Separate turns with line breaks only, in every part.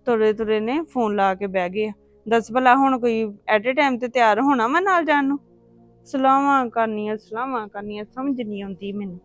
ਤੁਰੇ ਤੁਰੇ ਨੇ ਫੋਨ ਲਾ ਕੇ ਬਹਿ ਗਏ ਆ। ਦੱਸ ਭਲਾ ਹੁਣ ਕੋਈ ਐਟ ਏ ਟਾਈਮ ਤੇ ਤਿਆਰ ਹੋਣਾ ਵਾ ਨਾਲ ਜਾਣ ਨੂੰ? ਸਲਾਹਾਂ ਕਰਨੀਆਂ ਸਮਝ ਨਹੀਂ ਆਉਂਦੀ ਮੈਨੂੰ।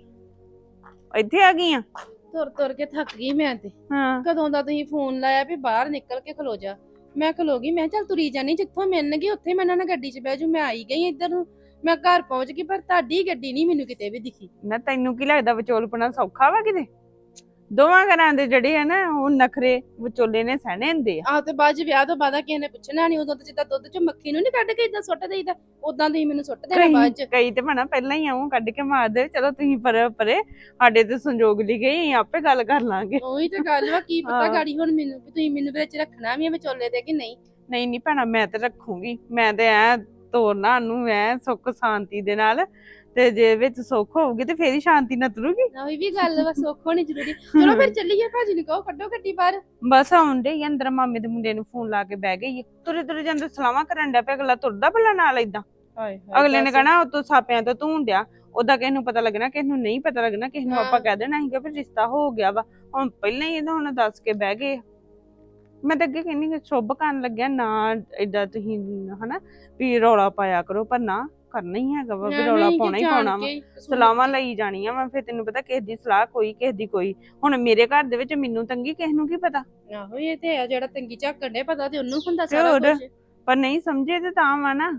ਇੱਥੇ ਆ ਗਈ ਆ?
ਤੁਰ ਤੁਰ ਕੇ ਥੱਕ ਗਈ ਮੈਂ ਤੇ।
ਹਾਂ
ਕਦੋਂ ਦਾ ਤੁਸੀਂ ਫੋਨ ਲਾਇਆ ਵੀ ਬਾਹਰ ਨਿਕਲ ਕੇ ਖਲੋ ਜਾ। ਮੈਂ ਖਲੋ ਗਈ, ਮੈਂ ਚੱਲ ਤੁਰੀ ਜਾਨੀ, ਜਿੱਥੋਂ ਮਿਲਣਗੇ ਉੱਥੇ ਮੈਂ ਇਹਨਾਂ ਨਾਲ ਗੱਡੀ 'ਚ ਬਹਿ ਜੂ। ਮੈਂ ਆਈ ਗਈ ਇੱਧਰ ਨੂੰ, ਮੈਂ ਘਰ ਪਹੁੰਚ ਗਈ, ਪਰ ਤੁਹਾਡੀ ਗੱਡੀ ਨਹੀਂ ਮੈਨੂੰ ਕਿਤੇ ਵੀ ਦਿਖੀ।
ਨਾ ਤੈਨੂੰ ਕੀ ਲੱਗਦਾ ਵਿਚੋਲਪਣਾ ਸੌਖਾ ਵਾ ਕਿਤੇ? ਦੋਵਾਂ ਘਰਾਂ ਦੇ ਜਿਹੜੇ ਆ ਨਾ ਉਹ ਨਖਰੇ ਵਿਚੋਲੇ ਨੇ ਸਹਿਣੇ ਹੁੰਦੇ ਆ।
ਆਹ ਤੇ ਬਾਅਦ 'ਚ ਵਿਆਹ ਤੋਂ ਬਾਅਦ ਕਿਸੇ ਨੇ ਪੁੱਛਣਾ ਨਹੀਂ। ਉਦੋਂ ਤੇ ਜਿੱਦਾਂ ਦੁੱਧ 'ਚ ਮੱਖੀ ਨੂੰ ਨਹੀਂ ਕੱਢ ਕੇ ਇਦਾਂ ਸੁੱਟ ਦੇਈਦਾ, ਉਦਾਂ ਤੁਸੀਂ ਮੈਨੂੰ ਸੁੱਟ ਦੇਣਾ ਬਾਅਦ 'ਚ।
ਕਈ ਤੇ ਭਣਾ ਪਹਿਲਾਂ ਹੀ ਆਉਂ ਕੱਢ ਕੇ ਮਾਰ ਦੇ। ਚਲੋ ਤੁਸੀਂ ਪਰੇ ਸਾਡੇ ਤੇ ਸੰਜੋਗ ਲਈ ਗਈ, ਆਪੇ ਗੱਲ ਕਰ ਲਾਂਗੇ।
ਉਹੀ ਤੇ ਗੱਲ ਵਾ, ਕੀ ਪਤਾ ਗਾੜੀ ਹੁਣ ਮੈਨੂੰ ਵੀ ਤੁਸੀਂ ਮੈਨੂੰ ਵਿੱਚ ਰੱਖਣਾ ਵੀ ਆ ਵਿਚੋਲੇ ਦੇ ਕਿ ਨਹੀਂ।
ਨਹੀਂ ਭੈਣਾ, ਮੈਂ ਤੇ ਰੱਖੂਗੀ। ਮੈਂ ਤੇ ਐ ਤੋਰਨਾ ਨੂੰ ਐ ਸੁੱਖ ਸ਼ਾਂਤੀ ਦੇ ਨਾਲ, ਤੇ ਜੇ ਵਿੱਚ ਸੁੱਖ ਹੋਊਗੀ ਤੇ ਫੇਰ ਹੀ ਸ਼ਾਂਤੀ ਨਾ ਤੁਰੂਗੀ।
ਉਹੀ ਵੀ ਗੱਲ ਵਾ, ਸੁੱਖ ਹੋਣੀ ਜ਼ਰੂਰੀ। ਚਲੋ ਫਿਰ ਚੱਲੀਏ, ਭਾਜੀ ਨੂੰ ਕਹੋ ਕੱਢੋ ਗੱਡੀ ਬਾਹਰ।
ਬਸ ਆਉਂਦੇ ਹੀ ਅੰਦਰ ਮਾਮੇ ਦੇ ਮੁੰਡੇ ਨੂੰ ਫੋਨ ਲਾ ਕੇ ਬਹਿ ਗਈ। ਤੁਰੇ ਤੁਰੇ ਜਾਂਦੇ ਸਲਾਹਾਂ ਕਰਨ ਡਿਆ ਪਿਆ। ਅਗਲਾ ਤੁਰਦਾ ਭਲਾ ਨਾਲ ਏਦਾਂ? ਅਗਲੇ ਨੇ ਕਹਿਣਾ ਉਤੋਂ ਸਾਪਿਆਂ ਤੋਂ ਧੂਣ ਡਿਆ। ਉਹਦਾ ਕਿਸੇ ਨੂੰ ਪਤਾ ਲੱਗਣਾ, ਕਿਸੇ ਨੂੰ ਨਹੀਂ ਪਤਾ ਲੱਗਣਾ। ਕਿਸੇ ਨੂੰ ਆਪਾਂ ਕਹਿ ਦੇਣਾ ਸੀਗਾ ਵੀ ਰਿਸ਼ਤਾ ਹੋ ਗਿਆ ਵਾ। ਹੁਣ ਪਹਿਲਾਂ ਹੀ ਇਹਦਾ ਹੁਣ ਦੱਸ ਕੇ ਬਹਿ ਗਏ। ਮੈਂ ਤਾਂ ਅੱਗੇ ਕਹਿੰਦੀ ਸ਼ੁਭ ਕਰਨ ਲੱਗਿਆ ਨਾ ਏਦਾਂ ਤੁਸੀਂ ਹਨਾ ਵੀ ਰੌਲਾ ਪਾਇਆ ਕਰੋ, ਪਰ ਨਾ ਕਰਨਾ ਹੀ ਹੈਗਾ ਵਾ ਵੀ ਰੌਲਾ ਪਾਉਣਾ ਹੀ ਪਾਉਣਾ ਵਾ। ਸਲਾਹਾਂ ਲਈ ਜਾਣੀਆਂ ਵਾ। ਫਿਰ ਤੈਨੂੰ ਪਤਾ ਕਿਸੇ ਦੀ ਸਲਾਹ ਕੋਈ, ਕਿਸੇ ਦੀ ਕੋਈ। ਹੁਣ ਮੇਰੇ ਘਰ ਦੇ ਵਿੱਚ ਮੈਨੂੰ ਤੰਗੀ, ਕਿਸੇ ਨੂੰ ਕੀ ਪਤਾ।
ਆਹੋ ਇਹ ਤੇ ਹੈ, ਜਿਹੜਾ ਤੰਗੀ ਝਾਕਣ ਡੇ ਪਤਾ ਤੇ ਉਹਨੂੰ ਹੁੰਦਾ ਸਾਰਾ ਕੁਝ।
ਪਰ ਨਹੀਂ ਸਮਝੇ ਤੇ ਤਾਂ ਵਾ ਨਾ।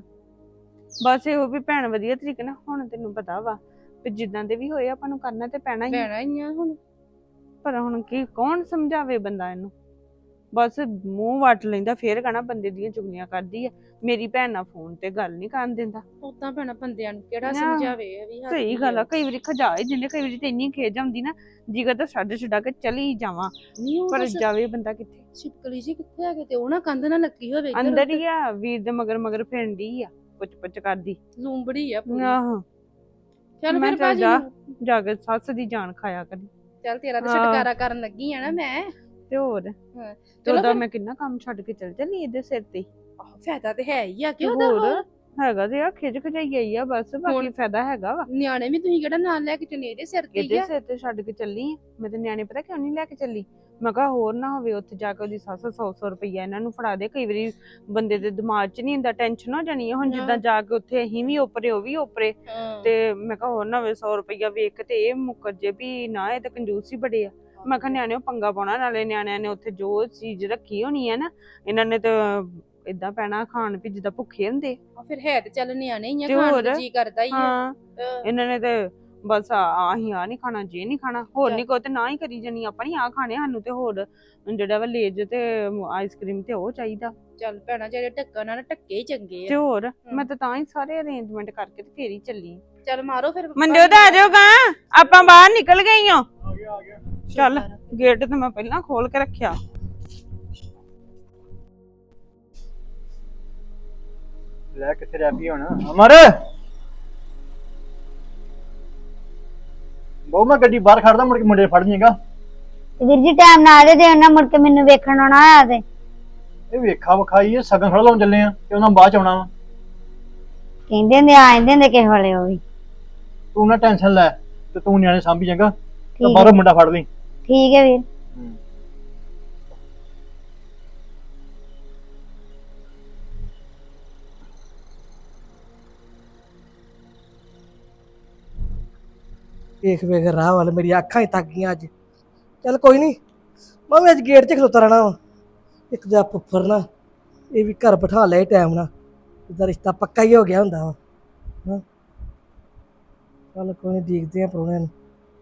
ਬਸ ਇਹੋ ਵੀ ਭੈਣ ਵਧੀਆ ਤਰੀਕੇ ਨਾਲ, ਹੁਣ ਤੈਨੂੰ ਪਤਾ ਵਾ ਵੀ ਜਿੱਦਾਂ ਦੇ ਵੀ ਹੋਏ ਆਪਾਂ ਨੂੰ ਕਰਨਾ ਤੇ ਪੈਣਾ
ਹੀ ਆ ਹੁਣ।
ਪਰ ਹੁਣ ਕੀ ਕੌਣ ਸਮਝਾਵੇ ਬੰਦਾ ਇਹਨੂੰ? ਬਸ ਮੂੰਹ ਵੱਟ ਲੈਂਦਾ, ਫੇਰ ਕਹਣਾ ਬੰਦੇ ਦੀਆਂ ਚੁਗਲੀਆਂ ਕਰਦੀ ਆ। ਮੇਰੀ ਭੈਣ ਨਾਲ ਫੋਨ ਤੇ ਗੱਲ ਨਹੀਂ ਕਰਨ ਦਿੰਦਾ।
ਉਦਾਂ ਭੈਣਾ ਬੰਦਿਆਂ ਨੂੰ ਕਿਹੜਾ ਸਮਝਾਵੇ ਵੀ।
ਸਹੀ ਗੱਲ ਆ, ਕਈ ਵਾਰੀ ਖਜਾ ਹੀ ਦਿੰਦੇ। ਕਈ ਵਾਰੀ ਤੇ ਇੰਨੀ ਖੇਜ ਆਉਂਦੀ ਨਾ, ਜਿਗਰ ਤਾਂ ਛੱਡ ਛਡਾ ਕੇ ਚਲੀ ਜਾਵਾਂ, ਪਰ ਜਾਵੇ ਬੰਦਾ ਕਿੱਥੇ।
ਛਿਪਕਲੀ ਜੀ ਕਿੱਥੇ ਹੈਗੇ ਤੇ ਉਹ ਨਾ ਕੰਧ ਨਾਲ ਲੱਗੀ ਹੋਵੇ।
ਅੰਦਰ ਹੀ ਆ, ਵੀਰ ਦੇ ਮਗਰ ਮਗਰ ਫਿਰਦੀ ਆ, ਪੁੱਛ ਕਰਦੀ
ਲੂੰਬੜੀ ਆ ਪੂਰੀ।
ਆਹੋ
ਚੱਲ ਫਿਰ ਭਾਜੀ
ਜਾ ਕੇ ਸੱਸ ਦੀ ਜਾਨ ਖਾਇਆ ਕਰੀ।
ਚੱਲ ਤੇਰਾ ਤੇ ਛੁਟਕਾਰਾ ਕਰਨ ਲੱਗੀ ਆ ਨਾ ਮੈਂ।
ਤੇ ਹੋਰ ਚਲੋ ਮੈਂ ਕਿੰਨਾ ਕੰਮ ਛੱਡ ਕੇ ਚੱਲ ਜਾਂਦੀ ਇਹਦੇ ਸਿਰ ਤੇ।
ਫਾਇਦਾ ਤੇ ਹੈ ਹੀ ਆ ਕਿ
ਹੋਰ ਹੈਗਾ ਤੇ ਆ, ਖਿਜ ਖਜਾਈ ਆਈ ਆ ਬਸ, ਬਾਕੀ ਫਾਇਦਾ ਹੈਗਾ ਵਾ।
ਨਿਆਣੇ ਵੀ ਤੁਸੀਂ ਕਿਹੜਾ ਨਾਲ ਲੈ ਕੇ ਚੱਲੇ? ਇਹਦੇ ਸਿਰ ਤੇ
ਇਹਦੇ ਸਿਰ ਤੇ ਛੱਡ ਕੇ ਚੱਲੀ। ਮੈਂ ਤੇ ਨਿਆਣੇ ਪਤਾ ਕਿਉਂ ਨਹੀਂ ਲੈ ਕੇ ਚੱਲੀ? ਮੈਂ ਕਿਹਾ ਹੋਰ ਨਾ ਹੋਵੇ ਉੱਥੇ ਜਾ ਕੇ ਉਹਦੀ ਸੱਸ 100 ਰੁਪਈਆ ਇਹਨਾਂ ਨੂੰ ਫੜਾ ਦੇ। ਕਈ ਵਾਰੀ ਬੰਦੇ ਦੇ ਦਿਮਾਗ 'ਚ ਨਹੀਂ ਹੁੰਦਾ, ਟੈਨਸ਼ਨ ਹੋ ਜਾਣੀ ਹੈ। ਹੁਣ ਜਿੱਦਾਂ ਜਾ ਕੇ ਉੱਥੇ ਅਸੀਂ ਵੀ ਓਪਰੇ ਉਹ ਵੀ ਓਪਰੇ, ਤੇ ਮੈਂ ਕਿਹਾ ਹੋਰ ਨਾ ਹੋਵੇ 100 ਰੁਪਈਆ ਵੇਖ ਤੇ ਇਹ ਮੁੱਕਰ ਜੇ ਵੀ ਨਾ, ਇਹ ਤਾਂ ਕੰਜੂਸ ਹੀ ਬੜੇ ਆ। ਮੈਂ ਕਿਹਾ ਨਿਆਣਿਓ ਪੰਗਾ ਪਾਉਣਾ, ਨਾਲੇ ਨਿਆਣਿਆਂ ਨੇ ਉੱਥੇ ਜੋ ਚੀਜ਼ ਰੱਖੀ ਹੋਣੀ ਹੈ ਨਾ, ਇਹਨਾਂ ਨੇ ਤਾਂ ਏਦਾਂ ਪੈਣਾ ਖਾਣ ਵੀ ਜਿੱਦਾਂ ਭੁੱਖੇ ਹੁੰਦੇ।
ਫਿਰ ਹੈ ਤੇ ਚੱਲ ਨਿਆਣੇ ਹੀ ਆ, ਖਾਣ ਦਾ ਜੀ ਕਰਦਾ ਹੀ ਆ।
ਇਹਨਾਂ ਨੇ ਤੇ ਬਸ ਆਹੀਂ ਆ ਨਹੀਂ ਖਾਣਾ, ਜੇ ਨਹੀਂ ਖਾਣਾ, ਹੋਰ ਨਹੀਂ ਕੋ ਤੇ ਨਾ ਹੀ ਕਰੀ ਜਾਨੀ। ਆਪਾਂ ਨੀ ਆ ਖਾਣੇ, ਸਾਨੂੰ ਤੇ ਹੋਰ ਜਿਹੜਾ ਵਾ ਲੇਜ ਤੇ ਆਈਸਕ੍ਰੀਮ ਤੇ ਉਹ ਚਾਹੀਦਾ।
ਚੱਲ ਭੈਣਾ, ਜਿਹੜੇ ਢੱਕਣ ਨਾਲ ਢੱਕੇ ਹੀ ਚੰਗੇ ਆ।
ਤੇ ਹੋਰ ਮੈਂ ਤਾਂ ਹੀ ਸਾਰੇ ਅਰੇਂਜਮੈਂਟ ਕਰਕੇ ਤੇ ਫੇਰ ਹੀ ਚੱਲੀ।
ਚੱਲ ਮਾਰੋ ਫਿਰ।
ਮਨਜੋਤ ਆ ਜਾਓਗਾ, ਆਪਾਂ ਬਾਹਰ ਨਿਕਲ ਗਏ ਹਾਂ। ਚੱਲ ਗੇਟ ਤੇ ਮੈਂ ਪਹਿਲਾਂ ਖੋਲ ਕੇ ਰੱਖਿਆ।
ਲੈ ਕਿੱਥੇ ਰਹਿ ਪਈ ਹੁਣ ਅਮਰ? ਬਹੁ ਮੈਂ ਗੱਡੀ ਬਾਹਰ ਖੜਦਾ, ਮੁੜ ਕੇ ਮੁੰਡੇ ਫੜ ਜਾਏਗਾ।
ਵੀਰ ਜੀ ਟਾਈਮ ਨਾਲ ਆ ਜੇ ਉਹਨਾਂ ਮੁੜ ਕੇ ਮੈਨੂੰ ਵੇਖਣ ਆਉਣਾ ਆ ਤੇ
ਇਹ ਵੇਖਾ ਵਿਖਾਈ ਇਹ ਸਗਨ ਖੜਾ ਲਾਉਣ ਚੱਲੇ ਆ ਤੇ ਉਹਨਾਂ ਬਾਅਦ ਚ ਆਉਣਾ ਵਾ।
ਕਹਿੰਦੇ ਹੁੰਦੇ ਆ ਜਾਂਦੇ ਹੁੰਦੇ ਕਿਸੇ ਵੇਲੇ ਉਹ ਵੀ।
ਤੂੰ ਨਾ ਟੈਨਸ਼ਨ ਲੈ ਤੇ ਤੂੰ ਨਿਆਣੇ ਸਾਂਭੀ ਜਾਏਗਾ ਤੇ ਬਾਹਰੋਂ ਮੁੰਡਾ ਫੜ ਲਈ।
ਠੀਕ ਹੈ ਵੀਰ।
ਵੇਖ ਵੇਖ ਰਾਹ ਵੱਲ ਮੇਰੀ ਅੱਖਾਂ ਹੀ ਤੱਕ ਗਈਆਂ ਅੱਜ। ਚੱਲ ਕੋਈ ਨਹੀਂ, ਮੈਂ ਵੀ ਅੱਜ ਗੇਟ 'ਚ ਖਲੋਤਾ ਰਹਿਣਾ ਵਾ। ਇੱਕ ਤਾਂ ਫੁੱਫਰ ਨਾ ਇਹ ਵੀ ਘਰ ਬਿਠਾ ਲਿਆ ਟਾਈਮ ਨਾਲ, ਇਹਦਾ ਰਿਸ਼ਤਾ ਪੱਕਾ ਹੀ ਹੋ ਗਿਆ ਹੁੰਦਾ ਵਾ। ਹਾਂ ਚੱਲ ਕੋਈ ਨਹੀਂ, ਦੇਖਦੇ ਆ ਪ੍ਰਾਹੁਣਿਆਂ ਨੂੰ।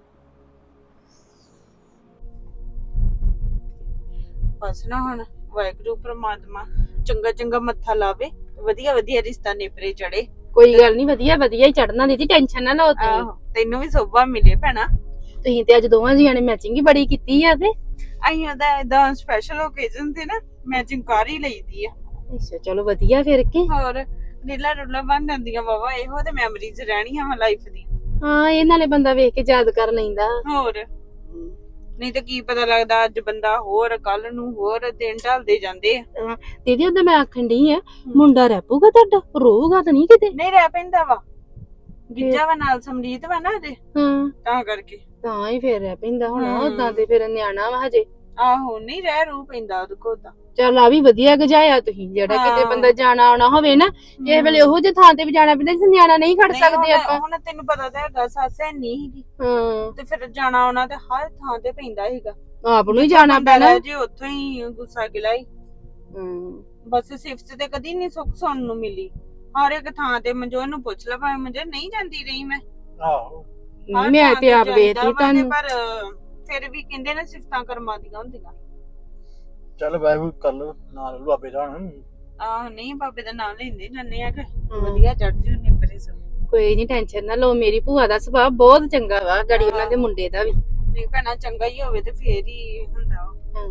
ਬਸ ਨਾ ਹੁਣ ਵਾਹਿਗੁਰੂ ਪ੍ਰਮਾਤਮਾ ਚੰਗਾ ਚੰਗਾ ਮੱਥਾ ਲਾਵੇ, ਵਧੀਆ ਵਧੀਆ ਰਿਸ਼ਤਾ ਨੇਪਰੇ ਚੜੇ।
ਕੋਈ ਗੱਲ ਨਹੀਂ, ਵਧੀਆ ਵਧੀਆ ਹੀ ਚੜਨਾ ਦੀਦੀ, ਟੈਨਸ਼ਨ ਨਾ ਲਓ ਤੁਸੀਂ।
ਤੈਨੂੰ ਵੀ ਸੋਭਾ ਮਿਲੇ ਭੈਣਾ।
ਤੁਸੀਂ ਤੇ ਅੱਜ ਦੋਵਾਂ ਜੀਆਂ ਨੇ ਮੈਚਿੰਗ ਹੀ ਬੜੀ ਕੀਤੀ ਆ। ਤੇ
ਅਸੀਂ ਉਹਦਾ ਏਦਾਂ ਸਪੈਸ਼ਲ ਓਕੇਜ਼ਨ ਤੇ ਨਾ ਮੈਚਿੰਗ ਕਰ ਹੀ ਲਈਦੀ ਆ।
ਅੱਛਾ ਚਲੋ ਵਧੀਆ ਫਿਰ ਕੇ।
ਹੋਰ ਰੀਲਾ ਰੁਲਾ ਬਣ ਜਾਂਦੀਆਂ ਬਾਬਾ, ਇਹੋ ਤੇ ਮੈਮਰੀਜ਼ ਰਹਿਣੀਆਂ ਵਾ ਲਾਈਫ ਦੀ।
ਹਾਂ ਇਹ ਨਾਲੇ ਬੰਦਾ ਵੇਖ ਕੇ ਯਾਦ ਕਰ ਲੈਂਦਾ।
ਹੋਰ ਨਹੀਂ ਤਾਂ ਕੀ ਪਤਾ ਲੱਗਦਾ, ਅੱਜ ਬੰਦਾ ਹੋਰ, ਕੱਲ ਨੂੰ ਹੋਰ, ਦਿਨ ਢਲਦੇ ਜਾਂਦੇ ਆ।
ਦੀਦੀ ਉਹਦਾ ਮੈਂ ਆਖਣ ਡਈ ਆ, ਮੁੰਡਾ ਰਹਿ ਪਊਗਾ ਤੁਹਾਡਾ? ਰੋਊਗਾ ਤਾਂ ਨਹੀਂ ਕਿਤੇ?
ਨਹੀਂ ਰਹਿ ਪੈਂਦਾ ਵਾ, ਗਿੱਜਾ ਵਾ ਨਾਲ ਸਮਰੀਤ ਵਾ ਨਾ ਇਹਦੇ,
ਹਾਂ
ਤਾਂ ਕਰਕੇ
ਤਾਂ ਹੀ ਫੇਰ ਰਹਿ ਪੈਂਦਾ ਹੁਣ। ਉਦਾਂ ਤੇ ਫਿਰ ਨਿਆਣਾ ਵਾ ਹਜੇ।
ਆਹੋ ਨਹੀਂ ਰਹਿ ਰੂ ਪੈਂਦਾ ਉਹਦੇ ਕੋਲ ਤਾਂ।
ਚੱਲ ਆ ਵੀ ਵਧੀਆ ਗਜਾਇਆ ਤੁਸੀਂ, ਜਿਹੜਾ ਕਿਤੇ
ਹਾਂ।
ਬੰਦਾ ਜਾਣਾ ਆਉਣਾ ਹੋਵੇ ਨਾ ਕਿਸੇ ਵੇਲੇ ਉਹੋ ਜਿਹੇ ਥਾਂ ਤੇ ਵੀ ਜਾਣਾ ਪੈਂਦਾ ਜਿੱਥੇ ਨਿਆਣਾ ਨਹੀਂ ਖੜ
ਨਹੀਂ,
ਸਕਦੇ
ਹੁਣ-
ਆਪਾਂ।
ਹੁਣ ਤੈਨੂੰ ਪਤਾ ਤਾਂ ਹੈਗਾ ਸੱਸ ਹੈ ਨਹੀਂ ਸੀਗੀ
ਹਾਂ
ਤੇ ਫਿਰ ਜਾਣਾ ਆਉਣਾ ਤੇ ਹਰ ਥਾਂ ਤੇ ਪੈਂਦਾ ਸੀਗਾ।
ਆਪ ਨੂੰ ਹੀ ਜਾਣਾ
ਬੰਦਾ
ਪੈਣਾ।
ਰਹਿ ਜੇ ਉੱਥੋਂ ਹੀ ਗੁੱਸਾ ਗਿਲਾ ਹੀ। ਬਸ ਸਿਫਤ ਤੇ ਕਦੀ ਨਹੀਂ ਸੁੱਖ ਸੁਣਨ ਨੂੰ ਮਿਲੀ। ਹਰ ਇੱਕ ਥਾਂ ਤੇ ਮਨਜੋਤ ਨੂੰ ਪੁੱਛ ਲੈ, ਭਾਵੇਂ ਮਨਜੋਤ ਨਹੀਂ ਜਾਂਦੀ ਰਹੀ ਮੈਂ
ਆਹੋ
ਹਰ
ਮੈਂ
ਥਾਂ
ਤੇ ਆਪ
ਜਾਈਦਾ
ਵੇਖਦੀ
ਵਾ ਤੇ
ਤੁਹਾਨੂੰ।
ਪਰ ਫਿਰ ਵੀ ਕਹਿੰਦੇ ਨੇ ਸਿਫਤਾਂ ਕਰਮਾਂ ਦੀਆਂ ਹੁੰਦੀਆਂ।
ਚੱਲ ਵਾਹਿਗੁਰੂ ਕਰ ਲਓ ਨਾਲ ਬਾਬੇ ਦਾ ਹੁਣ।
ਆਹ ਨਹੀਂ ਬਾਬੇ ਦਾ ਨਾਮ ਲੈਂਦੇ ਜਾਂਦੇ ਆ ਕਿ ਵਧੀਆ ਚੜ ਜੂ ਨੇ ਪਰੇ ਸਭ।
ਕੋਈ ਨਹੀਂ ਟੈਨਸ਼ਨ ਨਾ ਲਓ, ਮੇਰੀ ਭੂਆ ਦਾ ਸੁਭਾਅ ਬਹੁਤ ਚੰਗਾ ਵਾ, ਗੜੀ ਉਹਨਾਂ ਦੇ ਮੁੰਡੇ ਦਾ ਵੀ।
ਨਹੀਂ ਭੈਣਾ ਚੰਗਾ ਹੀ ਹੋਵੇ ਤੇ ਫੇਰ ਹੀ ਹੁੰਦਾ ਵਾ।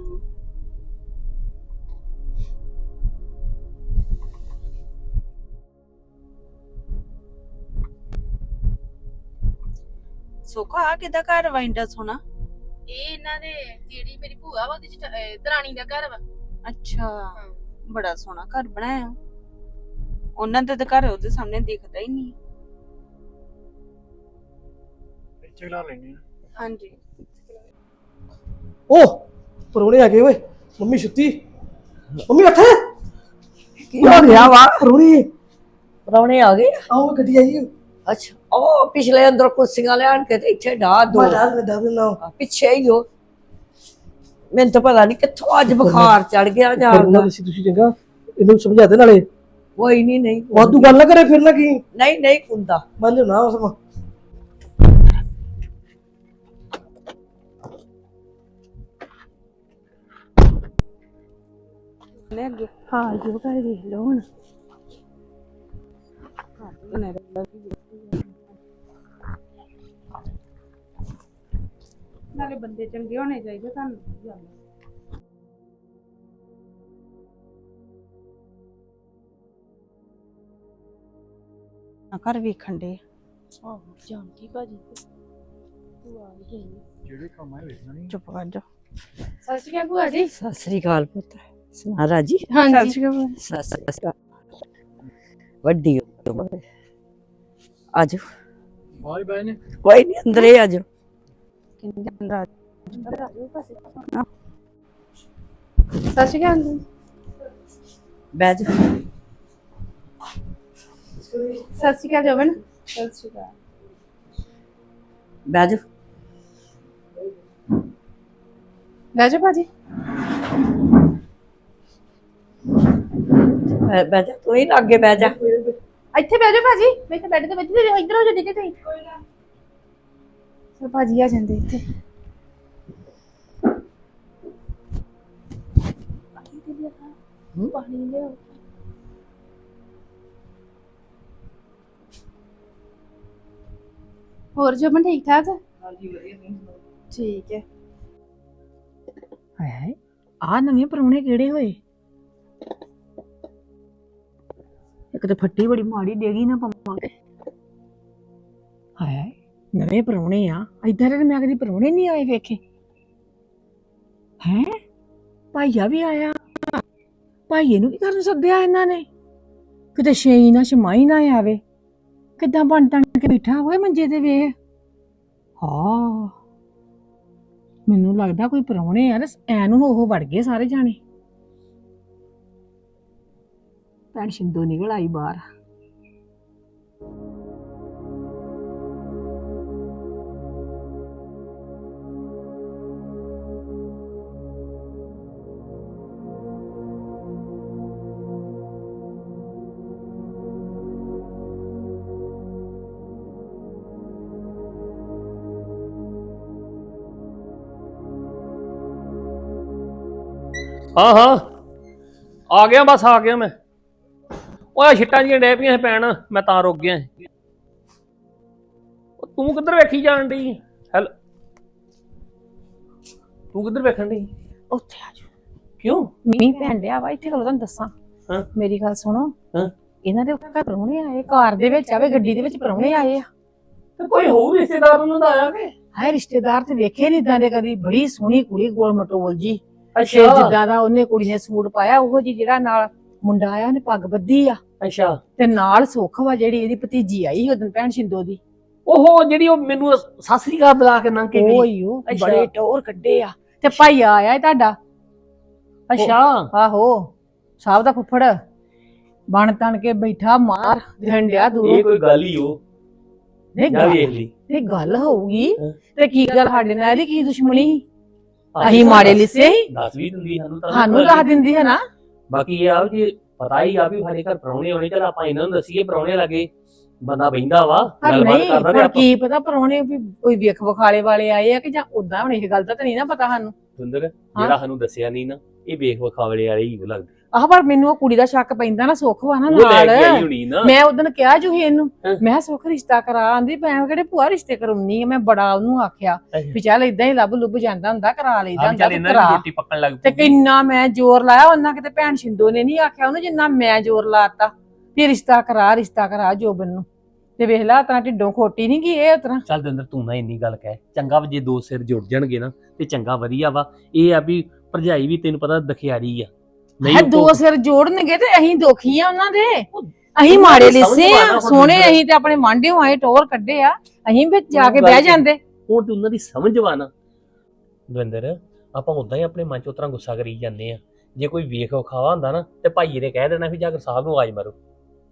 ਸੁੱਖਾ ਕਿਦਾ ਘਰ ਵਾਇੰਡਾ ਸੋਣਾ।
ਇਹ ਇਹਨਾਂ ਦੇ ਜਿਹੜੀ ਮੇਰੀ ਭੂਆ ਵਾ ਉਹਦੀ ਦਰਾਣੀ ਦਾ ਘਰ ਵਾ।
ਅੱਛਾ ਬੜਾ ਸੋਹਣਾ ਘਰ ਬਣਾਇਆ ਉਹਨਾਂ ਦਾ ਤਾਂ ਘਰ ਉਹਦੇ ਸਾਹਮਣੇ ਦਿਖਦਾ ਹੀ ਨਹੀਂ।
ਇੱਥੇ ਲਾ ਲੈਣੀ
ਹਾਂਜੀ
ਓ ਪਰੋਣੇ ਆ ਗਏ ਓਏ। ਮੰਮੀ ਸੁੱਤੀ? ਮੰਮੀ ਉੱਠ।
ਕੀ ਹੋ ਗਿਆ ਵਾ?
ਪਰੋਣੇ
ਪ੍ਰਾਹੁਣੇ ਆ ਗਏ?
ਆਓ ਗੱਡੀ ਆਈ।
ਅੱਛਾ ਉਹ ਪਿਛਲੇ ਅੰਦਰ ਕੁਰਸੀਆਂ ਲਿਆਣ ਕੇ ਤੇ ਇੱਥੇ ਢਾ ਦੋ
ਮੈਂ ਡਰ ਨਾ
ਪਿੱਛੇ ਹੀ ਹੋ। ਮੈਨੂੰ ਤਾਂ ਪਤਾ ਨਹੀਂ ਕਿੱਥੋਂ ਅੱਜ ਬੁਖਾਰ ਚੜ ਗਿਆ ਜਾਂ
ਕਰਨਾ ਤੁਸੀਂ ਚੰਗਾ ਇਹਨੂੰ ਸਮਝਾ ਦੇ ਨਾਲੇ।
ਕੋਈ ਨਹੀਂ
ਵਾਧੂ ਗੱਲ ਨਾ ਕਰੇ ਫਿਰ ਨਾ ਕੀ।
ਨਹੀਂ ਹੁੰਦਾ।
ਮੈਂ ਲਿਉਣਾ ਉਸ ਨੂੰ।
ਨੇ ਅੱਗੇ
ਹਾਂ ਜੋ ਕਰ ਵੇਖ ਲਓ ਹੁਣ।
ਨਾਲੇ ਬੰਦੇ ਚੰਗੇ ਹੋਣੇ ਚਾਹੀਦੇ ਤੁਹਾਨੂੰ ਕੀ ਗੱਲ ਹੈ। ਘਰ ਵੇਖਣ ਦੇ
ਆਹੋ ਜਾਣਦੀ ਭਾਜੀ ਭੂਆ ਆ ਗਈ।
ਜਿਹੜੇ ਕੰਮ ਆਏ ਵੇਖਣਾ ਨਹੀਂ।
ਚੁੱਪ ਕਰ ਜਾ।
ਸਤਿ ਸ਼੍ਰੀ ਅਕਾਲ ਭੂਆ ਜੀ।
ਸਤਿ ਸ੍ਰੀ ਅਕਾਲ ਪੁੱਤ। ਸੁਣਾ ਰਾਜੀ?
ਹਾਂਜੀ
ਸਤਿ ਸ੍ਰੀ ਅਕਾਲ। ਵੱਡੀ ਉਮਰ। ਆਜੋ
ਬਾਈ ਬਾਈ ਨੇ
ਕੋਈ ਨਹੀਂ ਅੰਦਰੇ ਆਜੋ।
ਸਤਿ ਸ਼੍ਰੀ ਅਕਾਲ ਜੀ।
ਬਹਿ ਜਾ।
ਸਤਿ ਸ਼੍ਰੀ ਅਕਾਲ ਜਵਨ। ਸਤਿ ਸ਼੍ਰੀ ਅਕਾਲ।
ਬਹਿ ਜਾ।
ਬਹਿ ਜਾ ਭਾਜੀ।
ਬਹਿ ਜਾ ਤੂੰ ਹੀ ਲਾਗੇ ਬਹਿ ਜਾ।
ਇੱਥੇ ਬਹਿ ਜਾ ਭਾਜੀ। ਮੈਂ ਇੱਥੇ ਬੈੱਡ ਤੇ ਬੈਠੀ ਤੇ ਇੱਧਰ ਹੋ ਜਾ ਡਿੱਗੇ ਤੇ। ਕੋਈ ਨਾ ਸਰ ਭਾਜੀ ਆ ਜਾਂਦੇ ਇੱਥੇ। ਪਾਣੀ ਲਿਆਓ। ਹੋਰ ਜਮਨ ਠੀਕ ਠਾਕ? ਹਾਂਜੀ ਵਧੀਆ। ਠੀਕ ਹੈ।
ਹਾਏ ਆ ਨਵੇਂ ਪਰੌਣੇ ਕਿਹੜੇ ਹੋਏ? ਇੱਕ ਤਾਂ ਫੱਟੀ ਬੜੀ ਮਾੜੀ ਡੇਗੀ ਨਾ ਪਵਾਂਗੇ। ਹਾਏ ਨਵੇਂ ਪਰੌਣੇ ਆ, ਇਧਰ ਤੇ ਮੈਂ ਕਦੀ ਪਰੌਣੇ ਨਹੀਂ ਆਏ ਵੇਖੇ। ਹੈ ਭਾਈਆ ਵੀ ਆਇਆ। ਭਾਈਏ ਨੂੰ ਕੀ ਕਰਨ ਸੱਦਿਆ ਇਹਨਾਂ ਨੇ? ਕਿਤੇ ਛੇਈ ਨਾ ਛਮਾਈ ਨਾ ਆਵੇ। ਕਿੱਦਾਂ ਬਣ ਤਣ ਕੇ ਬੈਠਾ ਹੋਏ ਮੰਜੇ ਤੇ ਵੇਖ। ਹਾਂ ਮੈਨੂੰ ਲੱਗਦਾ ਕੋਈ ਪਰੌਣੇ ਆ ਐ ਨੂੰ ਉਹ ਵੜ ਗਏ ਸਾਰੇ ਜਾਣੇ। ਭੈਣ ਸ਼ਿੰਦੋ ਨਿਕਲ ਆਈ ਬਾਹਰ।
ਹਾਂ ਆ ਗਿਆ, ਬਸ ਆ ਗਿਆ ਮੈਂ। ਓਏ ਛਿੱਟਾਂ ਜੀਆਂ ਡੈ ਪਈਆਂ ਪੈਣ, ਮੈਂ ਤਾਂ ਰੁਕ ਗਿਆ। ਤੂੰ ਕਿੱਧਰ ਵੇਖੀ ਜਾਣ ਡਈ? ਹੈਲੋ ਤੂੰ ਕਿੱਧਰ ਵੇਖਣ ਡਈ?
ਉੱਥੇ ਆ ਜਾ।
ਕਿਉਂ?
ਮੀਂਹ ਪੈਣ ਡਿਆ ਵਾ ਇੱਥੇ। ਤੁਹਾਨੂੰ ਦੱਸਾਂ
ਹਾਂ।
ਮੇਰੀ ਗੱਲ ਸੁਣੋ।
ਹਾਂ।
ਇਹਨਾਂ ਦੇ ਘਰ ਪਰੌਣੇ ਆਏ, ਕਾਰ ਦੇ ਵਿੱਚ ਆਵੇ, ਗੱਡੀ ਦੇ ਵਿੱਚ ਪਰੌਣੇ ਆਏ ਆ।
ਤੇ ਕੋਈ ਹੋਊ ਰਿਸ਼ਤੇਦਾਰ ਉਹਨਾਂ ਦਾ ਆਇਆ ਕਿ?
ਹਾਏ ਰਿਸ਼ਤੇਦਾਰ ਤੇ ਵੇਖੇ ਨਹੀਂ ਇਦਾਂ ਦੇ ਕਦੀ। ਬੜੀ ਸੋਹਣੀ ਕੁੜੀ, ਗੋਲ ਮਟੋਲ ਜੀ। ਤੇ
ਅੱਛਾ
ਜਿੱਦਾਂ ਦਾ ਉਹਨੇ ਕੁੜੀ ਨੇ ਸੂਟ ਪਾਇਆ ਉਹੋ ਜੀ ਜਿਹੜਾ ਨਾਲ ਮੁੰਡਾ ਆਇਆ ਉਹਨੇ ਪੱਗ ਬੱਧੀ ਆ।
ਅੱਛਾ
ਤੇ ਨਾਲ ਸੁੱਖ ਵਾ ਜਿਹੜੀ ਇਹਦੀ ਭਤੀਜੀ ਆਈ ਸੀ ਉਦੋਂ ਭੈਣ ਸ਼ਿੰਦੋ ਦੀ।
ਉਹ ਜਿਹੜੀ ਉਹ ਮੈਨੂੰ ਸਤਿ ਸ੍ਰੀ ਅਕਾਲ ਬੁਲਾ ਕੇ ਲੰਘ ਕੇ ਗਈ।
ਓਏ ਉਹ
ਅੱਛਾ।
ਬੜੇ ਟੌਰ ਕੱਢੇ ਆ ਤੇ ਭਾਈ ਆਇਆ ਏ ਤੁਹਾਡਾ।
ਅੱਛਾ
ਆਹੋ ਸਾਹਿਬ ਦਾ ਫੁੱਫੜ ਬਣ ਤਣ ਕੇ ਬੈਠਾ ਮਾਰ ਡੰਡਿਆ
ਇਹ
ਦੂਰੋਂ।
ਕੋਈ ਗੱਲ ਹੀ ਉਹ
ਨਹੀਂ
ਜਾ
ਗੱਲ
ਵੇਖ ਲਈ
ਇਹ ਗੱਲ ਹੋਊਗੀ
ਹਾਂ।
ਤੇ ਕੀ ਗੱਲ ਸਾਡੇ ਨਾਲ ਇਹਦੀ ਕੀ ਦੁਸ਼ਮਣੀ ਸੀ? ਅਸੀਂ ਮਾੜੇ ਲਿਸੇ ਸੀ,
ਦੱਸ ਵੀ ਦਿੰਦੀ ਸਾਨੂੰ ਤਾਂ
ਸਾਨੂੰ ਦੱਸ ਦਿੰਦੀ ਹੈ ਨਾ।
ਬਾਕੀ ਇਹ ਆ ਕਿ ਪਤਾ ਹੀ ਆ ਵੀ ਸਾਡੇ ਘਰ ਪ੍ਰਾਹੁਣੇ ਆਉਣੇ, ਚਲ ਆਪਾਂ ਇਹਨਾਂ ਨੂੰ ਦੱਸੀਏ ਪ੍ਰਾਹੁਣੇ ਲੱਗੇ ਬੰਦਾ ਬਹਿੰਦਾ ਵਾ
ਪਰ
ਗੱਲਬਾਤ
ਨਹੀਂ
ਕਰਦਾ ਤੇ
ਹੁਣ
ਆਪਾਂ
ਕੀ ਪਤਾ ਪਰੋਣੇ ਵੀ ਕੋਈ ਵੇਖ ਵਿਖਾਲੇ ਵਾਲੇ ਆਏ ਆ ਕਿ ਜਾਂ ਉਦਾਂ ਹੁਣ ਇਹ ਗੱਲ ਦਾ ਤਾਂ ਨਹੀਂ ਨਾ ਪਤਾ ਸਾਨੂੰ।
ਸੁੰਦਰ ਜਿਹੜਾ ਸਾਨੂੰ ਦੱਸਿਆ ਨਹੀਂ ਨਾ, ਇਹ ਵੇਖ ਵਿਖਾਵਲੇ ਵਾਲੇ ਹੀ ਲੱਗਦੇ।
ਆਹ ਪਰ ਮੈਨੂੰ ਉਹ ਕੁੜੀ ਦਾ ਸ਼ੱਕ ਪੈਂਦਾ ਨਾ, ਸੁੱਖ ਵਾ ਨਾ
ਉਹ ਲੈ
ਨਾਲ।
ਕੇ ਆਈ ਹੋਣੀ ਨਾ।
ਮੈਂ ਉਦੋਂ ਕਿਹਾ ਜੂਹੀ ਇਹਨੂੰ,
ਹਾਂ।
ਮੈਂ ਕਿਹਾ ਸੁੱਖ ਰਿਸ਼ਤਾ ਕਰਾ ਆਂਦੀ, ਮੈਂ ਕਿਹੜੇ ਭੂਆ ਰਿਸ਼ਤੇ ਕਰਾਉਣੀ ਆ। ਮੈਂ ਬੜਾ ਉਹਨੂੰ ਆਖਿਆ
ਅੱਛਾ।
ਵੀ ਚੱਲ ਇਦਾਂ ਹੀ ਲੱਭ ਲੁੱਭ ਜਾਂਦਾ ਹੁੰਦਾ, ਕਰਾ ਲਈਦਾ
ਆਹ
ਹੁੰਦਾ
ਚੱਲ
ਤੇ
ਇਹਨਾਂ ਦੀ
ਕਰਾ।
ਰੋਟੀ ਪੱਕਣ ਲੱਗ
ਤੇ
ਪਈ।
ਕਿੰਨਾ ਮੈਂ ਜ਼ੋਰ ਲਾਇਆ, ਉਹਨਾਂ ਕਿਤੇ ਭੈਣ ਸ਼ਿੰਦੋ ਨੇ ਨਹੀਂ ਆਖਿਆ ਉਹਨੂੰ ਜਿੰਨਾ ਮੈਂ ਜ਼ੋਰ ਲਾਤਾ ਵੀ ਰਿਸ਼ਤਾ ਕਰਾ ਜੋਬਨ ਨੂੰ। ਤੇ ਵੇਖ ਲਾ ਤਰਾ ਢਿੱਡੋਂ ਖੋਟੀ ਨਹੀਂ ਗਈ ਇਹ ਉਤਰਾ।
ਚੱਲ ਦੰਦਰ ਤੂੰ ਨਾ ਇੰਨੀ ਗੱਲ ਕਹਿ, ਚੰਗਾ ਵਾ ਜੇ ਦੋ ਸਿਰ ਜੁੜ ਜਾਣਗੇ ਨਾ ਤੇ ਚੰਗਾ ਵਧੀਆ ਵਾ। ਇਹ ਆ ਵੀ ਭਰਜਾਈ ਵੀ ਤੈਨੂੰ ਪਤਾ ਦਖਿਆਰੀ ਆ,
ਹੈ
ਉਹ
ਦੋ ਸਿਰ ਜੋੜਨਗੇ ਤੇ ਅਸੀਂ ਦੁਖੀ ਆ ਉਹਨਾਂ ਦੇ। ਅਸੀਂ
ਉਹਨਾਂ
ਮਾੜੇ
ਦੀ ਸਮਝ
ਲਿਸੇ
ਮਾਰਨਾ
ਆ,
ਹੁਣ
ਸੋਹਣੇ
ਦੂਜਾ।
ਅਸੀਂ ਤੇ ਆਪਣੇ ਮਾਂਢਿਓਂ ਆਏ ਟੋਰ ਕੱਢੇ ਆ, ਅਸੀਂ ਵਿੱਚ ਜਾ ਕੇ
ਗੱਲ
ਬਹਿ
ਤੇ-
ਜਾਂਦੇ।
ਹੁਣ ਤੇ ਉਹਨਾਂ ਦੀ ਸਮਝ ਵਾ ਨਾ ਦਵਿੰਦਰ, ਆਪਾਂ ਉਦਾਂ ਹੀ ਆਪਣੇ ਮਨ ਚ ਉਤਰਾ ਗੁੱਸਾ ਕਰੀ ਜਾਂਦੇ ਆ। ਜੇ ਕੋਈ ਵੇਖ ਵਿਖਾਵਾ ਹੁੰਦਾ ਨਾ ਤੇ ਭਾਈਏ ਨੇ ਕਹਿ ਦੇਣਾ ਵੀ ਜਾ ਕੇ ਸਾਹਿਬ ਨੂੰ ਆਵਾਜ਼ ਮਾਰੋ।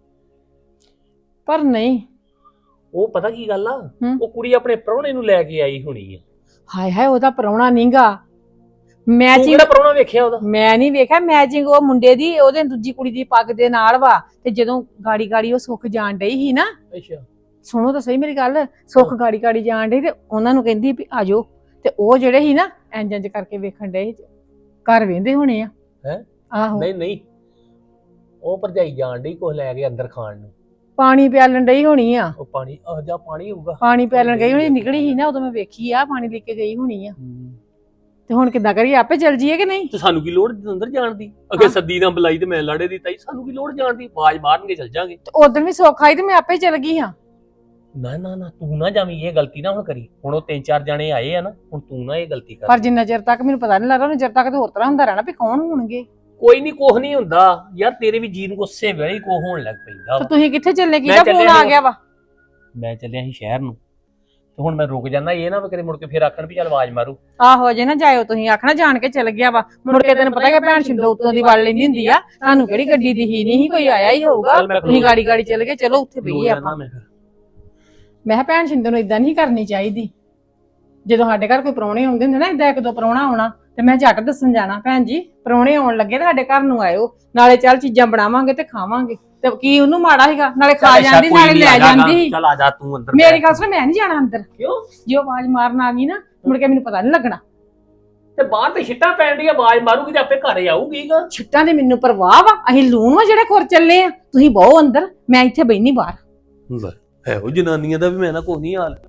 ਪਰ ਨਹੀਂ,
ਉਹ ਪਤਾ ਕੀ ਗੱਲ ਆ,
ਹੂੰ।
ਉਹ ਕੁੜੀ ਆਪਣੇ ਪ੍ਰਾਹੁਣੇ ਨੂੰ ਲੈ ਕੇ ਆਈ ਹੋਣੀ ਆ।
ਹਾਏ ਹਾਏ ਉਹਦਾ ਪ੍ਰਾਹੁਣਾ ਨਹੀਂਗਾ।
ਤੂੰ
ਮੈਚਿੰਗ
ਕਿਹੜਾ ਪ੍ਰਾਹੁਣਾ ਵੇਖਿਆ ਉਹਦਾ?
ਮੈਂ ਨਹੀਂ ਵੇਖਿਆ, ਮੈਚਿੰਗ ਉਹ ਮੁੰਡੇ ਦੀ ਉਹਦੇ ਦੂਜੀ ਕੁੜੀ ਦੀ ਪੱਗ ਦੇ ਨਾਲ ਵਾ। ਤੇ ਜਦੋਂ ਗਾੜੀ ਉਹ ਸੁੱਖ ਜਾਣ ਡਈ ਸੀ ਨਾ,
ਅੱਛਾ
ਸੁਣੋ ਤਾਂ ਸਹੀ ਮੇਰੀ ਗੱਲ, ਸੁੱਖ ਗਾੜੀ ਜਾਣ ਡਈ ਤੇ ਉਹਨਾਂ ਨੂੰ ਕਹਿੰਦੀ ਵੀ ਆਜੋ, ਤੇ ਉਹ ਜਿਹੜੇ ਸੀ ਨਾ ਇੰਜ ਕਰਕੇ ਵੇਖਣ ਡਏ ਸੀ, ਘਰ ਵੇਂਦੇ ਹੋਣੇ ਆ।
ਹੈਂ?
ਆਹੋ
ਨਹੀਂ ਉਹ ਭਰਜਾਈ ਜਾਣ ਡਈ ਕੁਛ ਲੈ ਕੇ ਅੰਦਰ ਖਾਣ ਨੂੰ।
ਪਾਣੀ ਪਿਆਲਣ ਡਈ ਹੋਣੀ ਆ,
ਉਹ ਪਾਣੀ ਜਾ ਪਾਣੀ ਹੋਊਗਾ।
ਪਾਣੀ ਪਿਆਲਣ ਗਈ ਹੋਣੀ, ਨਿਕਲੀ ਸੀ ਨਾ ਉਦੋਂ ਮੈਂ ਵੇਖੀ ਆ, ਪਾਣੀ ਲੈ ਕੇ ਗਈ ਹੋਣੀ ਆ। ਤੇ ਹੁਣ ਕਿੱਦਾਂ ਕਰੀਏ, ਆਪੇ ਚੱਲ ਜੀਏ ਕਿ ਨਹੀਂ?
ਤੇ ਸਾਨੂੰ ਕੀ ਲੋੜ ਅੰਦਰ ਜਾਣ ਦੀ? ਅੱਗੇ
ਹਾਂ।
ਸੱਦੀ ਨਾ ਬੁਲਾਈ ਤੇ ਮੈਂ ਲਾੜੇ ਦੀ ਤਾਈ, ਸਾਨੂੰ ਕੀ ਲੋੜ ਜਾਣ ਦੀ? ਆਵਾਜ਼ ਮਾਰਨਗੇ ਚੱਲ ਜਾਾਂਗੇ।
ਤੇ ਉਦੋਂ ਵੀ ਸੁੱਖ ਆਈ ਤੇ ਮੈਂ ਆਪੇ ਚੱਲ ਗਈ ਹਾਂ।
ਨਾ ਤੂੰ ਨਾ ਜਾਵੀਂ, ਇਹ ਗਲਤੀ ਨਾ ਹੁਣ ਕਰੀ। ਹੁਣ ਉਹ 3-4 ਜਣੇ ਆਏ ਆ ਨਾ, ਹੁਣ ਤੂੰ ਨਾ ਇਹ ਗਲਤੀ ਕਰ।
ਪਰ ਜਿੰਨਾ ਚਿਰ ਤੱਕ ਮੈਨੂੰ ਪਤਾ ਨਹੀਂ ਲੱਗਦਾ, ਉਹਨਾਂ ਚਿਰ ਤੱਕ ਤੇ ਹੋਰ ਤਰ੍ਹਾਂ ਹੁੰਦਾ ਰਹਿਣਾ ਵੀ ਕੌਣ ਹੋਣਗੇ।
ਕੋਈ ਨਹੀਂ, ਕੁਛ ਨਹੀਂ ਹੁੰਦਾ ਯਾਰ, ਤੇਰੇ ਵੀ ਜੀਨ ਗੁੱਸੇ ਵੇਲੇ ਹੀ ਕੋ ਹੋਣ ਲੱਗ ਪੈਂਦਾ
ਤੇ
ਵਾ।
ਤੁਸੀਂ ਕਿੱਥੇ ਚੱਲੇ?
ਮੈਂ
ਕਿਹਦਾ ਫੋਨ
ਚੱਲਿਆ
ਆ
ਸੀ।
ਗਿਆ ਵਾ?
ਮੈਂ ਚੱਲਿਆ ਸੀ ਸ਼ਹਿਰ ਨੂੰ, ਤੇ ਹੁਣ ਮੈਂ ਰੁਕ ਜਾਂਦਾ। ਇਹ ਨਾ ਵੀ ਕਦੇ ਮੁੜ ਕੇ ਫੇਰ ਆਖਣ ਵੀ ਚੱਲ ਆਵਾਜ਼ ਮਾਰੂ।
ਆਹੋ ਜੇ ਨਾ ਜਾਇਓ, ਤੁਸੀਂ ਆਖਣਾ ਜਾਣ ਕੇ ਚੱਲ ਗਿਆ ਵਾ, ਮੁੜ ਕੇ ਤੈਨੂੰ ਪਤਾ ਕਿ ਭੈਣ ਸ਼ਿੰਦੋ ਉੱਤੋਂ ਦੀ ਵੜ ਲੈਂਦੀ ਹੁੰਦੀ ਆ। ਤੁਹਾਨੂੰ ਕਿਹੜੀ ਗੱਡੀ ਦੀ ਹੀ ਨਹੀਂ, ਕੋਈ ਆਇਆ ਹੀ ਹੋਊਗਾ।
ਚੱਲ ਮੈਂ
ਤੁਸੀਂ ਗਾੜੀ ਚੱਲ ਗਏ, ਚਲੋ ਉੱਥੇ ਬਈਏ ਆਪਾਂ।
ਮੈਂ ਫਿਰ
ਮੈਂ ਕਿਹਾ ਭੈਣ ਸ਼ਿੰਦੋ ਨੂੰ ਇਦਾਂ ਨਹੀਂ ਕਰਨੀ ਚਾਹੀਦੀ। ਜਦੋਂ ਸਾਡੇ ਘਰ ਕੋਈ ਪ੍ਰਾਹੁਣੇ ਆਉਂਦੇ ਹੁੰਦੇ ਨਾ, ਇਦਾਂ ਇੱਕ ਦੋ ਪ੍ਰਾਹੁਣਾ ਆਉਣਾ ਤੇ ਮੈਂ ਝੱਟ ਦੱਸਣ ਜਾਣਾ, ਭੈਣ ਜੀ ਪ੍ਰਾਹੁਣੇ ਆਉਣ ਲੱਗੇ ਤੇ ਸਾਡੇ ਘਰ ਨੂੰ ਆਇਓ, ਨਾਲੇ ਚੱਲ ਚੀਜ਼ਾਂ ਬਣਾਵਾਂਗੇ ਤੇ ਖਾਵਾਂਗੇ। ਤੇ ਕੀ ਉਹਨੂੰ ਮਾੜਾ ਸੀਗਾ, ਨਾਲੇ ਖਾ ਜਾਂਦੀ ਨਾਲੇ ਲੈ ਜਾਂਦੀ।
ਚੱਲ ਆ ਜਾ ਤੂੰ ਅੰਦਰ।
ਮੇਰੀ ਗੱਲ ਸੁਣ, ਮੈਂ ਨਹੀਂ ਜਾਣਾ ਅੰਦਰ।
ਕਿਉਂ?
ਜੇ ਉਹ ਆਵਾਜ਼ ਮਾਰਨ ਆ ਗਈ ਨਾ, ਮੁੜ ਕੇ ਮੈਨੂੰ ਪਤਾ ਨਹੀਂ ਲੱਗਣਾ।
ਤੇ ਬਾਹਰ ਤੇ ਛਿੱਟਾਂ ਪੈਣ ਦੀ ਆਵਾਜ਼ ਮਾਰੂਗੀ ਤੇ ਆਪੇ ਘਰੇ ਆਊਗੀ ਗਾ।
ਛਿੱਟਾਂ ਦੀ ਮੈਨੂੰ ਪਰਵਾਹ ਵਾ, ਅਸੀਂ ਲੂਣ ਵਾ ਜਿਹੜੇ ਖੁਰ ਚੱਲੇ ਆ। ਤੁਸੀਂ ਬਹੁ ਅੰਦਰ, ਮੈਂ ਇੱਥੇ ਬੈਣੀ ਬਾਹਰ।
ਹੈ ਉਹ ਜਨਾਨੀਆਂ ਦਾ ਵੀ ਮੈਂ ਨਾ ਕੋਈ ਨਹੀਂ ਹਾਲ।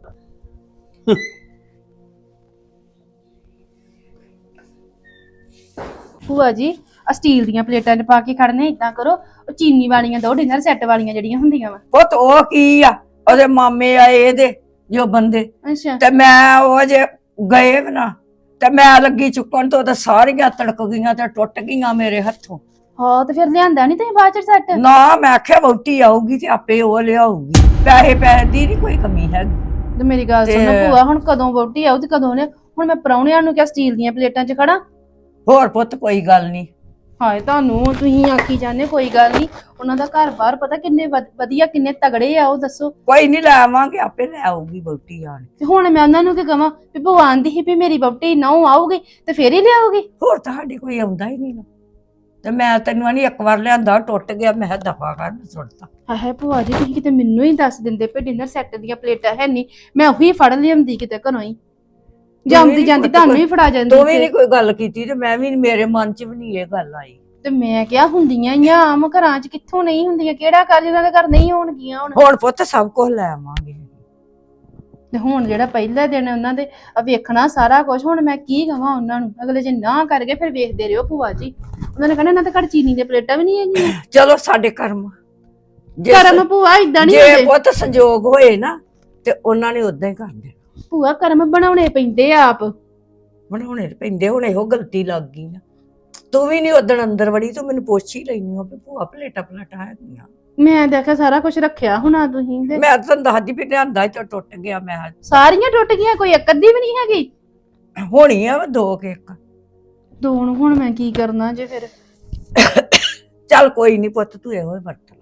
ਭੂਆ ਜੀ ਆ ਸਟੀਲ ਦੀਆਂ ਪਲੇਟਾਂ 'ਚ ਪਾ ਕੇ ਖੜਨੇ, ਇਦਾਂ ਕਰੋ ਉਹ ਚੀਨੀ ਵਾਲੀਆਂ ਦੋ, ਡਿਨਰ ਸੈੱਟ ਵਾਲੀਆਂ ਜਿਹੜੀਆਂ ਹੁੰਦੀਆਂ ਵਾ।
ਪੁੱਤ ਉਹ ਕੀ ਆ, ਉਹਦੇ ਮਾਮੇ ਆਏ ਇਹਦੇ ਜੋ ਬੰਦੇ,
ਅੱਛਾ
ਤੇ ਮੈਂ ਉਹ ਜੇ ਗਏ ਵੀ ਨਾ ਤੇ ਮੈਂ ਲੱਗੀ ਚੁੱਕਣ ਤੋਂ ਤੇ ਸਾਰੀਆਂ ਤੜਕ ਗਈਆਂ ਤੇ ਟੁੱਟ ਗਈਆਂ ਮੇਰੇ ਹੱਥੋਂ।
ਹਾਂ ਤੇ ਫਿਰ ਲਿਆਂਦਾ ਨਹੀਂ ਤੁਸੀਂ ਬਾਅਦ ਚ ਸੈੱਟ?
ਨਾ ਮੈਂ ਆਖਿਆ ਵਹੁਟੀ ਆਊਗੀ ਤੇ ਆਪੇ ਉਹ ਲਿਆਊਗੀ, ਪੈਸੇ ਦੀ ਨਹੀਂ ਕੋਈ ਕਮੀ ਹੈਗੀ।
ਤੇ ਮੇਰੀ ਗੱਲ ਸੁਣੋ ਭੂਆ, ਹੁਣ ਕਦੋਂ ਵਹੁਟੀ ਆਉ ਤੇ ਕਦੋਂ ਨੇ? ਹੁਣ ਮੈਂ ਪ੍ਰਾਹੁਣਿਆਂ ਨੂੰ ਕਿਹਾ ਸਟੀਲ ਦੀਆਂ ਪਲੇਟਾਂ 'ਚ ਖੜਾ।
ਹੋਰ ਪੁੱਤ ਕੋਈ ਗੱਲ ਨਹੀਂ।
ਹਾਏ ਤੁਹਾਨੂੰ ਤੁਸੀਂ ਆਖੀ ਜਾਂਦੇ ਕੋਈ ਗੱਲ ਨਹੀਂ, ਉਹਨਾਂ ਦਾ ਘਰ-ਬਾਰ ਪਤਾ ਕਿੰਨੇ ਵਧੀਆ ਕਿੰਨੇ ਤਗੜੇ ਆ, ਉਹ ਦੱਸੋ।
ਕੋਈ ਨਹੀਂ ਲੈ ਆਵਾਂਗੇ, ਆਪੇ ਲੈ ਆਊਗੀ ਵਹੁਟੀ ਆਣ।
ਤੇ ਹੁਣ ਮੈਂ ਉਹਨਾਂ ਨੂੰ ਕੀ ਕਵਾਂ ਵੀ ਭੂਆ ਆਂਦੀ ਸੀ ਵੀ ਮੇਰੀ ਵਹੁਟੀ ਨਹੁੰ ਆਊਗੀ ਤੇ ਫੇਰ ਹੀ ਲਿਆਊਗੀ?
ਹੋਰ ਤੁਹਾਡੇ ਕੋਈ ਆਉਂਦਾ ਹੀ ਨਹੀਂ ਨਾ, ਤੇ ਮੈਂ ਤੈਨੂੰ ਨਹੀਂ ਇੱਕ ਵਾਰ ਲਿਆਂਦਾ ਟੁੱਟ ਗਿਆ, ਮੈਂ ਕਿਹਾ ਦਫਾ ਕਰ ਸੁੱਟਤਾ।
ਹਾਏ ਭੂਆ ਜੀ ਤੁਸੀਂ ਕਿਤੇ ਮੈਨੂੰ ਹੀ ਦੱਸ ਦਿੰਦੇ ਪਏ ਡਿਨਰ ਸੈੱਟ ਦੀਆਂ ਪਲੇਟਾਂ ਹੈ ਨਹੀਂ, ਮੈਂ ਉਹੀ ਫੜ ਲਿਆਂਦੀ ਕਿਤੇ ਘਰੋਂ ਹੀ, ਜਾਂਦੀ ਜਾਂਦੀ ਤੁਹਾਨੂੰ ਹੀ ਫੜਾ ਜਾਂਦੀ।
ਤੂੰ ਵੀ ਨਹੀਂ ਕੋਈ ਗੱਲ ਕੀਤੀ ਤੇ ਮੈਂ ਵੀ ਮੇਰੇ ਮਨ 'ਚ ਵੀ ਨਹੀਂ ਇਹ ਗੱਲ ਆਈ।
ਤੇ ਮੈਂ ਕਿਹਾ ਹੁੰਦੀਆਂ ਹੀ ਆ ਆਮ ਘਰਾਂ 'ਚ, ਕਿੱਥੋਂ ਨਹੀਂ ਹੁੰਦੀਆਂ? ਕਿਹੜਾ ਘਰ ਜਿਹਨਾਂ ਦੇ ਘਰ ਨਹੀਂ ਹੋਣਗੀਆਂ ਹੁਣ?
ਹੁਣ ਪੁੱਤ ਸਭ ਕੁਝ ਲੈ ਆਵਾਂਗੇ।
ਤੇ ਹੁਣ ਜਿਹੜਾ ਪਹਿਲਾ ਦਿਨ ਉਹਨਾਂ ਦੇ ਵੇਖਣਾ ਸਾਰਾ ਕੁਝ, ਹੁਣ ਮੈਂ ਕੀ ਕਵਾਂ ਉਹਨਾਂ ਨੂੰ? ਅਗਲੇ ਜੇ ਨਾ ਕਰ ਗਏ ਫਿਰ ਵੇਖਦੇ ਰਹੋ ਭੂਆ ਜੀ, ਉਹਨਾਂ ਨੇ ਕਹਿਣਾ ਇਹਨਾਂ ਦੇ ਘਰ ਚੀਨੀ ਦੇ ਪਲੇਟਾਂ ਵੀ ਨਹੀਂ ਹੈਗੀਆਂ।
ਚਲੋ ਸਾਡੇ ਕਰਮ
ਕਰਮ ਭੂਆ ਇਦਾਂ ਨਹੀਂ
ਜੇ
ਹੁੰਦੇ
ਪੁੱਤ ਸੰਜੋਗ ਹੋਏ ਨਾ ਤੇ ਉਹਨਾਂ ਨੇ ਉਦਾਂ ਹੀ ਕਰ ਦੇਣਾ।
ਭੂਆ ਕਰਮ ਬਣਾਉਣੇ ਪੈਂਦੇ ਆ ਆਪ।
ਬਣਾਉਣੇ ਪੈਂਦੇ, ਹੁਣ ਇਹੋ ਗਲਤੀ ਲੱਗ ਗਈ ਨਾ। ਤੂੰ ਵੀ ਨਹੀਂ ਉਦਣ ਅੰਦਰ ਵੜੀ, ਤੂੰ ਮੈਨੂੰ ਪੁੱਛ ਹੀ ਲੈਣੀ ਹੋ ਵੀ ਭੂਆ ਪਲੇਟਾਂ ਹੈਗੀਆਂ।
ਮੈਂ ਦੇਖਿਆ ਸਾਰਾ ਕੁਝ ਰੱਖਿਆ ਹੋਣਾ ਤੁਸੀਂ ਤੇ
ਮੈਂ ਤਾਂ ਦੱਸਦੀ ਵੀ ਲਿਆਂਦਾ ਤੇ ਟੁੱਟ ਗਿਆ। ਮੈਂ
ਸਾਰੀਆਂ ਟੁੱਟ ਗਈਆਂ, ਕੋਈ ਇੱਕ ਅੱਧੀ ਵੀ ਨਹੀਂ ਹੈਗੀ?
ਹੋਣੀ ਆ ਵਾ 2 ਕੇਕ।
ਦੋ ਨੂੰ ਹੁਣ ਮੈਂ ਕੀ ਕਰਨਾ ਜੇ ਫਿਰ?
ਚੱਲ ਕੋਈ ਨਹੀਂ ਪੁੱਤ, ਤੂੰ ਇਹੋ ਹੀ ਵਰਤ